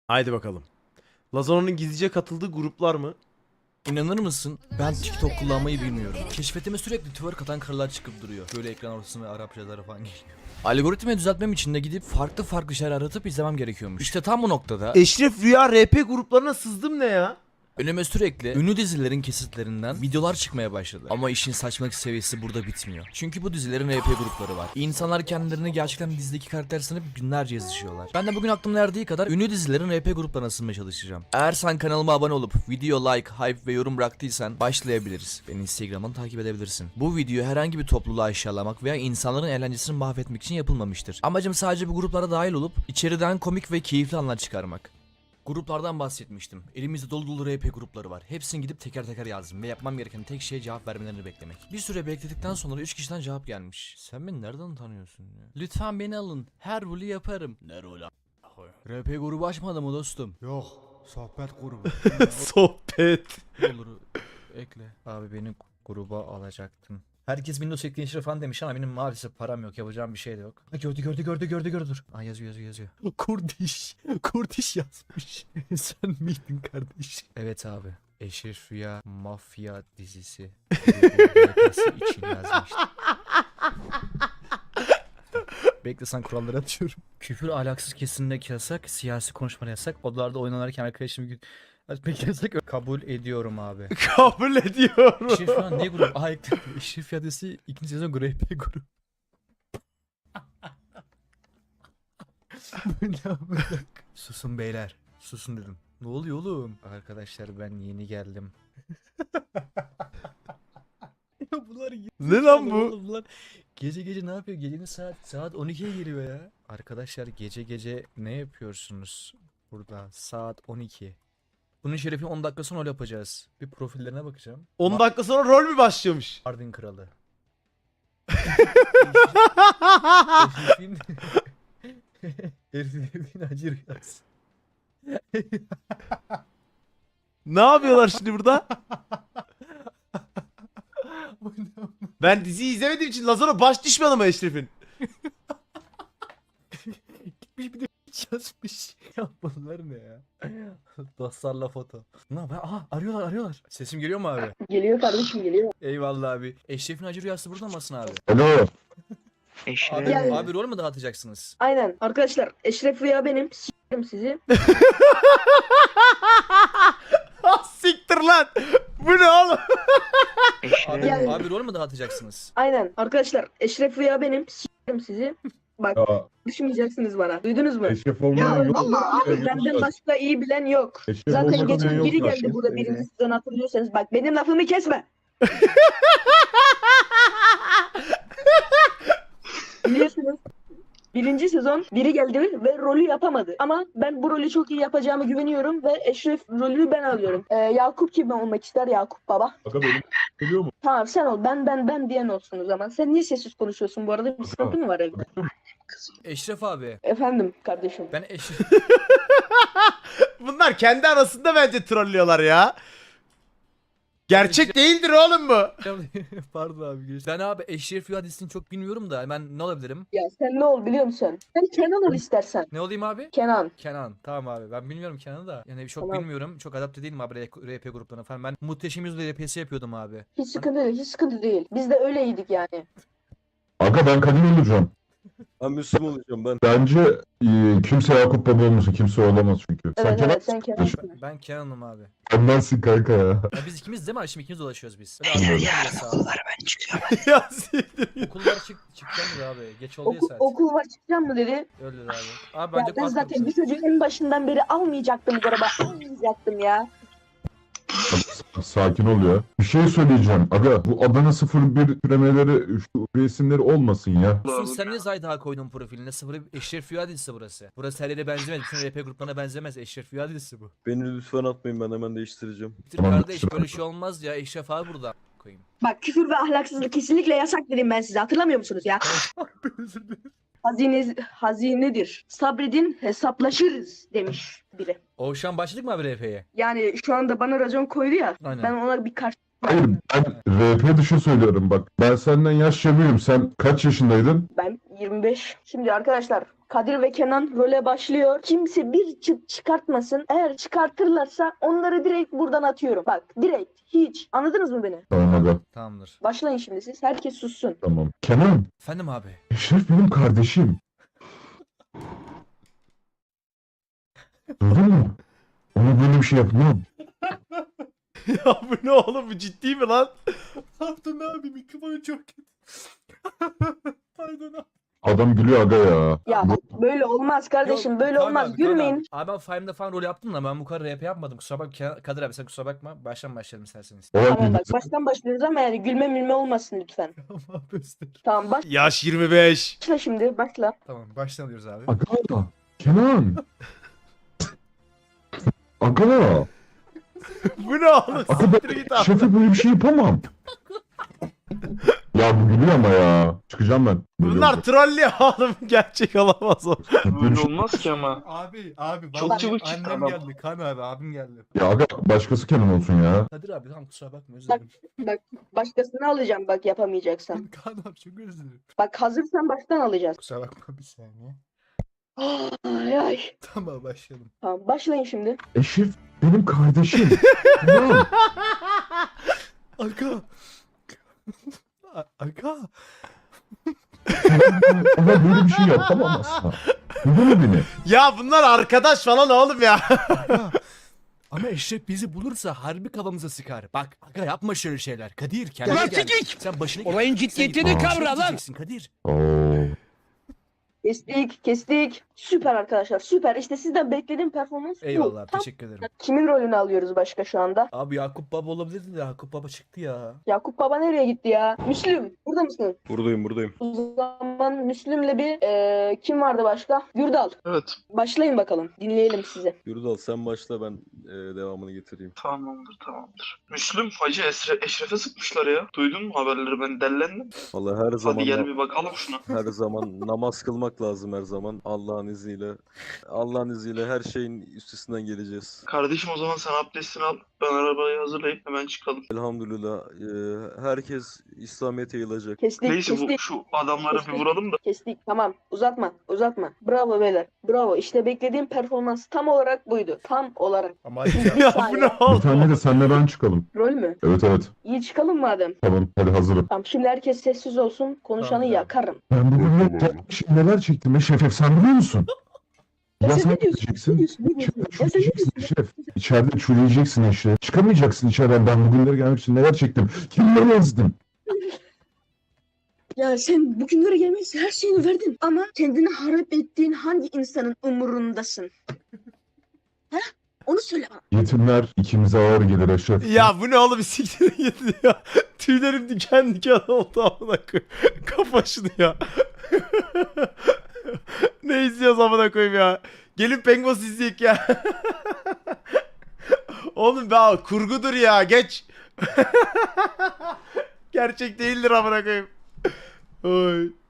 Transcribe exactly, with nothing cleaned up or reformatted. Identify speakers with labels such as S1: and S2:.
S1: Haydi bakalım. Lazano'nun gizlice katıldığı gruplar mı?
S2: İnanır mısın? Ben TikTok kullanmayı bilmiyorum. Keşfetime sürekli twerk atan karılar çıkıp duruyor. Böyle ekran ortasına ve Arapçalara falan geliyor. Algoritmayı düzeltmem için de gidip farklı farklı şeyler aratıp izlemem gerekiyormuş. İşte tam bu noktada
S1: Eşref Rüya R P gruplarına sızdım ne ya?
S2: önüme sürekli ünlü dizilerin kesitlerinden videolar çıkmaya başladı. Ama işin saçmalık seviyesi burada bitmiyor. Çünkü bu dizilerin R P grupları var. İnsanlar kendilerini gerçekten dizideki karakter sanıp binlerce yazışıyorlar. Ben de bugün aklımın erdiği kadar ünlü dizilerin R P gruplarına sızmaya çalışacağım. Eğer sen kanalıma abone olup video like, hype ve yorum bıraktıysan başlayabiliriz. Beni Instagram'dan takip edebilirsin. Bu video herhangi bir topluluğu aşağılamak veya insanların eğlencesini mahvetmek için yapılmamıştır. Amacım sadece bu gruplara dahil olup içeriden komik ve keyifli anlar çıkarmak. Gruplardan bahsetmiştim. Elimizde dolu dolu R P grupları var. Hepsini gidip teker teker yazdım ve yapmam gereken tek şey cevap vermelerini beklemek. Bir süre bekledikten sonra üç kişiden cevap gelmiş. Sen beni nereden tanıyorsun ya? Lütfen beni alın. Her rolü yaparım. Ne rolü R P grubu açmadı mı dostum?
S3: Yok, sohbet grubu.
S1: Sohbet.
S2: Olur ekle. Abi beni gruba alacaktın. Herkes Windows ekleyin falan demiş ama benim maalesef param yok. Yapacağım bir şey de yok. Ha, gördü gördü gördü gördü gördü dur. Aa, yazıyor yazıyor yazıyor. Kurdiş. Kurdiş yazmış. Sen miydin kardeş? Evet abi. Eşref Rüya Mafya dizisi. Grubu için yazmış. Bekle sen kuralları atıyorum. Küfür ahlaksız kesinlikle yasak. Siyasi konuşma yasak. Odalarda oynanırken arkadaşım gün açmak yasak. Kabul ediyorum abi.
S1: Kabul ediyorum.
S2: Eşref Rüya ne grup? Aa ekledim. Eşref Rüya dizisi ikinci sezon R P grup. Susun beyler. Susun dedim. Ne oluyor oğlum? Arkadaşlar ben yeni geldim. Ya bunlar
S1: Ne lan bu?
S2: oğlum, bunlar gece gece ne yapıyor? Gecenin saat saat on ikiye geliyor ya. Arkadaşlar gece gece ne yapıyorsunuz burada? Saat on iki. Bunun şerefine on dakika sonra öyle yapacağız. Bir profillerine bakacağım.
S1: on dakika sonra rol mü başlamış?
S2: Mardin kralı. Herifin acı rüyası.
S1: Ne yapıyorlar şimdi burada? Ben diziyi izlemediğim için Lazano baş düşmanı mı Eşref'in?
S2: Gitmiş bir de yazmış. Ya bunlar ne ya? Dostlarla foto. Ne yapıyor? Aha arıyorlar arıyorlar. Sesim geliyor mu abi?
S4: Geliyor kardeşim geliyor.
S2: Eyvallah abi. Eşref'in acı rüyası burada mısın abi?
S5: Alo.
S2: Abi,
S4: Gel.
S2: abi rol mü dağıtacaksınız?
S4: Aynen. Arkadaşlar Eşref Rüya benim. S**erim sizi.
S1: Ah, siktir lan. Bu ne oğlum?
S2: Abi,
S4: Gel.
S2: abi rol mü dağıtacaksınız?
S4: Aynen. Arkadaşlar Eşref Rüya benim. S**erim sizi. Bak
S5: Ya
S4: düşmeyeceksiniz bana. Duydunuz mu?
S5: eşref olmayan yok.
S4: Abi benden başka iyi bilen yok.
S5: Eşref
S4: Zaten
S5: olmayan
S4: geçen
S5: yok
S4: biri
S5: zaten.
S4: geldi burada birinci sezon hatırlıyorsanız. Bak benim lafımı kesme. Biliyorsunuz. Birinci sezon biri geldi ve rolü yapamadı. Ama ben bu rolü çok iyi yapacağımı güveniyorum ve Eşref rolünü ben alıyorum. Ee, Yakup kim olmak ister? Yakup baba.
S5: Aga benim geliyor mu?
S4: Tamam sen ol. Ben ben ben diyen olsun o zaman. Sen niye sessiz konuşuyorsun bu arada? Bir sıkıntı mı var evde?
S2: Eşref abi.
S4: Efendim kardeşim.
S2: Ben Eşref...
S1: Bunlar kendi arasında bence trollüyorlar ya. Gerçek değildir oğlum bu.
S2: Pardon abi. Ben abi Eşref Rüya dizisini çok bilmiyorum da ben ne olabilirim?
S4: Ya sen ne ol biliyor musun? Sen Kenan ol istersen.
S2: Ne olayım abi?
S4: Kenan.
S2: Kenan. Tamam abi. Ben bilmiyorum Kenan'ı da. Yani çok
S4: Tamam.
S2: bilmiyorum. Çok adapte değilim abi R P gruplarına falan. Ben Muhteşem Yüzyıl R P'si yapıyordum abi.
S4: Hiç sıkıntı değil. Hiç sıkıntı değil. Biz de öyleydik yani.
S5: Aga ben kadın olacağım.
S6: Ben Müslüman olacağım ben.
S5: Bence e, kimse Yakup Baba olmasın. Kimse olamaz çünkü. Sen
S4: Evet
S5: Kenan
S4: evet sen Kenan'sın.
S2: Ben, ben Kenan'ım abi.
S5: Kenan'sın kanka ya.
S2: Ya biz ikimiz değil mi? Şimdi ikimiz dolaşıyoruz biz. Öyle okullar
S1: Ya siktir.
S2: Okullar çık çıkacağım ya abi. Geç oldu ya
S4: Okul,
S2: saat.
S4: okul var çıkacağım mı dedi.
S2: Öyle dedi abi. Abi
S4: Ya
S2: bence
S4: ben
S2: kulak
S4: zaten bu
S2: kapısı.
S4: çocuğu en başından beri almayacaktım bu araba. Almayacaktım ya.
S5: Sakin ol ya. Bir şey söyleyeceğim. Aga bu Adana sıfır bir türemeleri şu resimleri olmasın ya.
S2: Musun sen niye Zayda koydun profiline? Sıfır Eşref Rüya dizisi burası. Burası her yere benzemez. Bütün R P gruplarına benzemez. Eşref Rüya dizisi bu.
S6: Beni lütfen atmayın, ben hemen değiştireceğim.
S2: Bitir
S5: Tamam,
S2: kardeş
S5: kusura
S2: böyle
S5: bakma.
S2: şey olmaz ya. Eşref abi burada koyayım.
S4: Bak küfür ve ahlaksızlık kesinlikle yasak dedim ben size. Hatırlamıyor musunuz ya? Hazine, hazinedir. Sabredin hesaplaşırız demiş biri.
S2: Oğuzhan başladık mı abi R P'ye?
S4: Yani şu anda bana racon koydu ya.
S2: Aynen.
S4: Ben ona bir karşı...
S5: Hayır ben R P dışı söylüyorum bak. Ben senden yaşça büyüğüm. Sen kaç yaşındaydın?
S4: Ben yirmi beş. Şimdi arkadaşlar Kadir ve Kenan role başlıyor. Kimse bir çıt çıkartmasın. Eğer çıkartırlarsa onları direkt buradan atıyorum. Bak direkt hiç. Anladınız mı beni?
S5: Tamam aga.
S2: Tamamdır.
S4: Başlayın şimdi siz. Herkes sussun.
S5: Tamam. Kenan.
S2: Efendim abi.
S5: Eşref benim kardeşim. Duydun mu? Ona böyle bir şey yapmam.
S1: Ya bu ne oğlum, bu ciddi mi lan?
S3: Pardon abi mikrofonu çok kötü. Pardon abi.
S5: Adam gülüyor aga ya.
S4: Ya böyle olmaz kardeşim.
S2: Yok,
S4: böyle
S2: Kaan
S4: olmaz.
S2: abi, Kaan
S4: Gülmeyin.
S2: Abi. abi ben Five'da falan rol yaptım da ben bu kadar rap yapmadım. Kusura bakma Kadir abi, sen kusura bakma. Baştan başlayalım isterseniz.
S5: Olay
S4: Tamam bak
S5: bilgisi.
S4: baştan başlıyoruz ama yani gülme mülme olmasın lütfen.
S3: Tamam Özür.
S4: Tamam
S1: Yaş yirmi beş.
S4: başla şimdi başla.
S2: Tamam baştan alıyoruz abi.
S5: Aga. Kenan. Aga.
S1: Bu ne oğlum?
S5: Aga
S1: Siktir
S5: ben
S1: git abi.
S5: Eşref'e böyle bir şey yapamam. Ya bu gülüyor ama ya. Çıkacağım ben. Böyle
S1: Bunlar
S5: olacak.
S1: trollüyor oğlum. Gerçek olamaz o.
S5: Böyle bir
S7: Böyle
S5: şey-
S7: olmaz ki ama.
S3: Abi abi
S7: Çok
S3: vallahi
S7: çabuk çıktı
S3: annem
S7: adam.
S3: geldi. Kan abi abim geldi.
S5: Ya aga başkası Kenan olsun ya.
S2: Kadir abi tamam kusura bakma, özür
S4: Bak.
S2: dilerim.
S4: Bak başkasını alacağım bak yapamayacaksan.
S3: Kan abi çok özür dilerim.
S4: Bak hazırsan baştan alacağız.
S3: Kusura bakma bir saniye.
S4: Ay ay.
S3: Tamam başlayalım.
S4: Tamam başlayın şimdi.
S5: Eşref benim kardeşim. Kenan.
S3: Aga. A- Aga.
S5: Ona böyle bir şey yapamam asla. Duydun mu beni?
S1: Ya bunlar arkadaş falan oğlum ya.
S2: Aga. Ama Eşref bizi bulursa harbi kafamıza sıkar. Bak aga yapma şöyle şeyler. Kadir kendine
S8: Ulan
S2: gel.
S8: sikik!
S2: Sen başını
S8: Olayın
S2: Sen
S8: ciddiyetini
S2: git-
S8: kavra lan!
S2: Diyeceksin Kadir.
S5: Oo.
S4: Kestik kestik. Süper arkadaşlar süper. İşte sizden beklediğim performans bu.
S2: Eyvallah
S4: Tam
S2: teşekkür ederim.
S4: kimin rolünü alıyoruz başka şu anda?
S2: Abi Yakup Baba olabilirdi de Yakup Baba çıktı ya.
S4: Yakup Baba nereye gitti ya? Müslüm burada mısın?
S6: Buradayım buradayım.
S4: O zaman Müslüm'le bir eee, kim vardı başka? Gürdal.
S7: Evet.
S4: Başlayın bakalım. Dinleyelim sizi.
S6: Yurdal sen başla, ben e, devamını getireyim.
S7: Tamamdır tamamdır. Müslüm Hacı Esre Eşref'e sıkmışlar ya. Duydun mu haberleri, ben dellendim.
S6: Vallahi her zaman
S7: Hadi gel bir bakalım şuna.
S6: her zaman namaz kılmak lazım her zaman. Allah'ın izniyle. Allah'ın izniyle her şeyin üstesinden geleceğiz.
S7: Kardeşim o zaman sen abdestini al. Ben arabayı hazırlayıp hemen çıkalım.
S6: Elhamdülillah e, herkes İslamiyet'e yayılacak.
S4: Kestik
S7: Neyse bu
S4: kestik.
S7: şu adamları bir vuralım da.
S4: Kestik. Tamam. Uzatma. Uzatma. Bravo beyler. Bravo. İşte beklediğim performans tam olarak buydu. Tam olarak.
S3: Ama hadi ya.
S1: Ya bu ne
S5: Bir
S1: oğlum?
S5: tane de senle ben çıkalım.
S4: Rol mü?
S5: Evet evet.
S4: İyi çıkalım madem.
S5: Tamam hadi hazırım.
S4: Tamam şimdi herkes sessiz olsun. Konuşanı
S2: Tamam,
S4: yakarım.
S5: Ben bugün ne gelmişim, neler çektim Eşref, sen biliyor musun?
S4: Ya
S5: Ya
S4: sen
S5: sen
S4: ne diyorsun?
S5: gideceksin.
S4: Ne diyorsun? Ne diyorsun?
S5: İçeride
S4: Ya sen ne
S5: çürüyeceksin
S4: diyorsun?
S5: Eşref. İçeride çürüyeceksin Eşref. Çıkamayacaksın içeriden. Ben bugünlere gelmek için neler çektim. Kimleri ezdim.
S4: Ya sen bugünlere gelmek için her şeyini verdin. Ama kendini harap ettiğin hangi insanın umurundasın? He? Onu söyle bana.
S5: Yetimler ikimize ağır gelir Eşref.
S1: Ya bu ne oğlum, siktir git ya. Tüylerim diken diken oldu amına koyayım. Kafa şunu ya. Ne izliyoruz amına koyayım ya. Gelin Pengos izleyek ya. Oğlum ya kurgudur ya, geç. Gerçek değildir amına koyayım. Oy.